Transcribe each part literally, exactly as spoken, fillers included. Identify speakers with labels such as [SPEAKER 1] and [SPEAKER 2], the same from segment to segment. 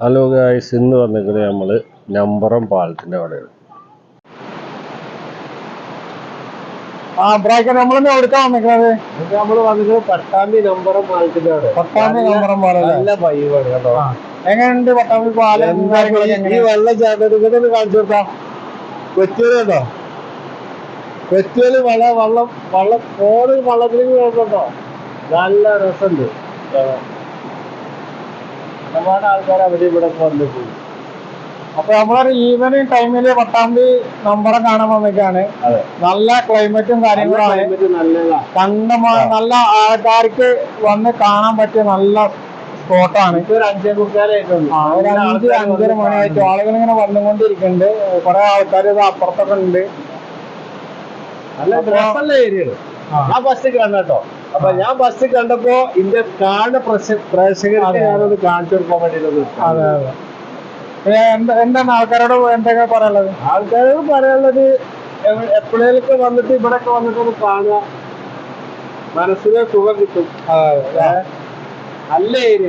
[SPEAKER 1] Hello guys, ഇന്ന് വന്നിരിക്കുന്നത് നമ്മൾ നമ്പറം പാലത്തിൻ്റെ അവിടെയാണ്.
[SPEAKER 2] ആ ബ്രാക്കറ്റ് നമ്മളെന്നെ എവിടുക്കാ വന്നിരിക്കുന്നത്?
[SPEAKER 1] നമ്മൾ വന്നിരിക്കുന്നത് പട്ടാമ്പി നമ്പറം പാലത്തിൻ്റെ അവിടെ.
[SPEAKER 2] പട്ടാമ്പി നമ്പറം പാലം
[SPEAKER 1] നല്ല വൈബാണ് കേട്ടോ.
[SPEAKER 2] എങ്ങനെയുണ്ട് പട്ടാമ്പി പാലം?
[SPEAKER 1] ഈ വെള്ളച്ചാട്ടത്തിൽ കാണിച്ചു കൊടുക്കാം. കൊച്ചിയില് കേട്ടോ, കൊച്ചിയില് വള വള്ളം വള്ളം ഫോണിൽ വള്ളത്തിലേക്ക് കേട്ടോ. നല്ല രസമുണ്ട്. ഒരുപാട് ആൾക്കാർ അവിടെ ഇവിടെ വന്നു പോയി.
[SPEAKER 2] അപ്പൊ നമ്മളൊരു ഈവനിങ് ടൈമില് പട്ടാമ്പി നമ്പറം കാണാൻ വന്നിട്ടാണ്. നല്ല ക്ലൈമറ്റും കാര്യങ്ങളാണ്. കണ്ടമാ നല്ല ആൾക്കാർക്ക് വന്ന് കാണാൻ പറ്റിയ നല്ല സ്പോട്ടാണ്.
[SPEAKER 1] ഒരു അഞ്ചേ മുക്കാലായിട്ടുണ്ട്.
[SPEAKER 2] ഒരു അഞ്ച് അഞ്ചര മണിയായിട്ട് ആളുകൾ ഇങ്ങനെ വന്നുകൊണ്ടിരിക്കുന്നുണ്ട്. കുറെ ആൾക്കാർ ഇത് അപ്പുറത്തൊക്കെ ഉണ്ട്.
[SPEAKER 1] നല്ല രസമുള്ള ഏരിയയാണ്. ഞാൻ ബസ് കണ്ടോ. അപ്പൊ ഞാൻ ബസ് കണ്ടപ്പോ ഇതിന്റെ കാണുന്ന പ്രേക്ഷകർക്ക് ഞാനത് കാണിച്ചു കൊടുക്കാൻ വേണ്ടിയിട്ട്.
[SPEAKER 2] അതെ അതെ. എന്താണ് ആൾക്കാരോട് എന്തൊക്കെ പറയാനുള്ളത്?
[SPEAKER 1] ആൾക്കാരോട് പറയാനുള്ളത്, എപ്പോഴേലൊക്കെ വന്നിട്ട് ഇവിടെയൊക്കെ വന്നിട്ടൊന്ന് കാണുക, മനസ്സിന് സുഖം കിട്ടും. നല്ല ഏരിയ.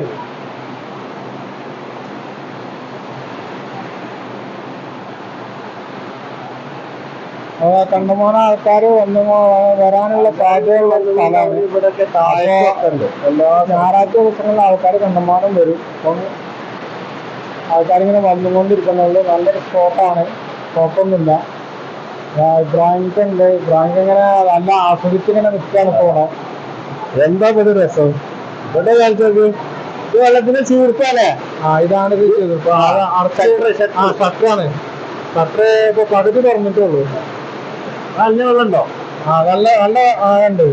[SPEAKER 2] കണ്ടമാനം ആൾക്കാർ വന്നു വരാനുള്ള സാധ്യതയുള്ള സ്ഥലമാണ്.
[SPEAKER 1] ഇവിടെയൊക്കെ താഴെയൊക്കെ ഉണ്ട്. എല്ലാ
[SPEAKER 2] ഞായറാഴ്ച ദിവസങ്ങളിൽ ആൾക്കാർ കണ്ടമാനം വരും. അപ്പം ആൾക്കാരിങ്ങനെ വന്നുകൊണ്ടിരിക്കുന്നുള്ളൂ. നല്ലൊരു സ്പോട്ടാണ്, കുഴപ്പമൊന്നുമില്ല. ഇബ്രാഹിംക്ക് ഉണ്ട്. ഇബ്രാഹിംക്ക് ഇങ്ങനെ നല്ല ആസ്വദിച്ചിങ്ങനെ നിൽക്കുകയാണ് ഇപ്പോൾ.
[SPEAKER 1] എന്താ ഇത് രസം. ഇവിടെ കാണിച്ചോക്ക്, ഇത് വെള്ളത്തിന് ചീർപ്പല്ലേ.
[SPEAKER 2] ആ ഇതാണ് ഇത് ചെയ്തത്. ആ ഷട്ടറാണ്. ഷട്ടർ ഇപ്പൊ പകുതി തുറന്നിട്ടുള്ളൂ.
[SPEAKER 1] നല്ല വെള്ളമുണ്ടോ?
[SPEAKER 2] ആ നല്ല നല്ല ഉണ്ട്.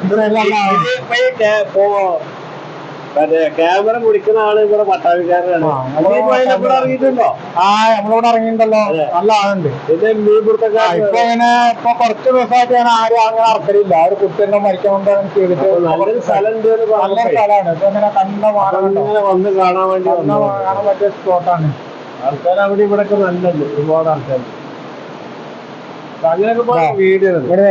[SPEAKER 1] മറ്റേ ക്യാമറ പിടിക്കുന്ന ആള് ഇവിടെ പട്ടാഭിക്കാരനാണ്. ഇറങ്ങിയിട്ടുണ്ടോ?
[SPEAKER 2] ആ നമ്മളിവിടെ ഇറങ്ങിയിട്ടുണ്ടല്ലോ. നല്ല ആളുണ്ട്.
[SPEAKER 1] പിന്നെ മീൻ പിടുത്തക്കാർ
[SPEAKER 2] ഇപ്പൊ ഇങ്ങനെ ഇപ്പൊ കുറച്ച് ദിവസമായിട്ട് ഞാൻ ആരും അങ്ങനെ ഇറക്കലില്ല. ഒരു കുട്ടിനെ മരിക്കാൻ കൊണ്ടാണ് ചെയ്തിട്ട്.
[SPEAKER 1] നല്ലൊരു സ്ഥലം
[SPEAKER 2] നല്ലൊരു സ്ഥലമാണ്. ഇപ്പൊ ഇങ്ങനെ കണ്ട
[SPEAKER 1] ഇങ്ങനെ വന്ന് കാണാൻ വേണ്ടി
[SPEAKER 2] കാണാൻ പറ്റിയ സ്പോട്ടാണ്.
[SPEAKER 1] ആൾക്കാർ അവിടെ ഇവിടെ ഒക്കെ നല്ലത്, ഒരുപാട് ആൾക്കാർ. അങ്ങനെയൊക്കെ വീഡിയോ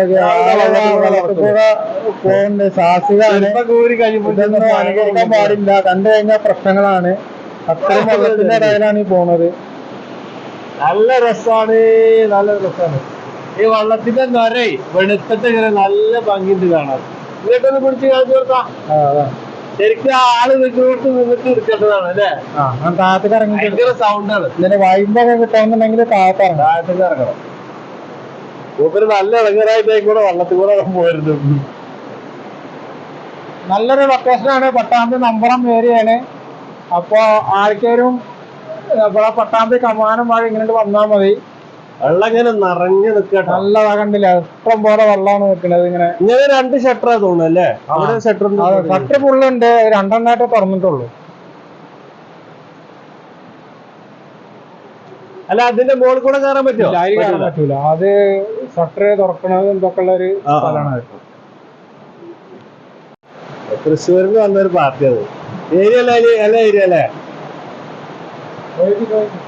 [SPEAKER 2] പോകുന്നുണ്ട്. സാഹസികമാണ്. ഇതൊന്നും അനുകരിക്കാൻ പാടില്ല. കണ്ടു കഴിഞ്ഞാൽ പ്രശ്നങ്ങളാണ്. അത്രയും വെള്ളത്തിന്റെ ഇടയിലാണ് ഈ പോണത്.
[SPEAKER 1] നല്ല രസമാണ്, നല്ല രസമാണ്. ഈ വള്ളത്തിന്റെ നരേ വെളുത്തിട്ട് ഇങ്ങനെ നല്ല ഭംഗിയുണ്ട് കാണാൻ. ഇതൊക്കെ പിടിച്ച് കാണിച്ചു കൊടുക്കാം. ശരിക്കും ആള് നിൽക്കുന്നോട്ട് നിന്നിട്ട് എടുക്കേണ്ടതാണ് അല്ലേ?
[SPEAKER 2] ആ താഴത്തേക്ക് ഇറങ്ങി
[SPEAKER 1] ഭയങ്കര സൗണ്ടാണ്.
[SPEAKER 2] ഇതിന് വൈബൊക്കെ കിട്ടാന്നുണ്ടെങ്കിൽ താഴത്ത് ഇറങ്ങണം.
[SPEAKER 1] താഴത്തേക്ക് ഇറങ്ങണം. മൂപ്പര് നല്ല ഇളങ്ങരായിട്ട് കൂടെ വള്ളത്തിൽ കൂടെ പോയിരുന്നു.
[SPEAKER 2] നല്ലൊരു ലൊക്കേഷനാണ്. പട്ടാമ്പി നമ്പറം ഏരിയയാണ്. അപ്പൊ ആർക്കേലും ഇവിടെ പട്ടാമ്പി കമാനം വഴി ഇങ്ങനെ വന്നാൽ മതി.
[SPEAKER 1] വെള്ളം ഇങ്ങനെ നിറഞ്ഞു നിൽക്കട്ടെ.
[SPEAKER 2] നല്ലതാ, കണ്ടില്ല? ഇഷ്ടം പോലെ വെള്ളമാണ് നിൽക്കുന്നത്. ഇങ്ങനെ
[SPEAKER 1] ഇങ്ങനെ രണ്ട് ഷട്ടറാ തോന്നുന്നു അല്ലേ? അവിടെ ഷട്ടർ
[SPEAKER 2] ഷട്ടർ ഫുള്ളുണ്ട്. രണ്ടെണ്ണായിട്ട് തുറന്നിട്ടുള്ളൂ.
[SPEAKER 1] അല്ല, അതിന്റെ മുകളിൽ കൂടെ കയറാൻ പറ്റുമോ?
[SPEAKER 2] കയറാൻ പറ്റൂല. അത് ഷട്ടർ തുറക്കണത് എന്തൊക്കെ ഉള്ള ഒരു സ്ഥലമാണ്.
[SPEAKER 1] തൃശ്ശൂരിൽ വന്നൊരു പാർട്ടി അത്. ഏരിയ അല്ല, ഏരിയ അല്ലേ?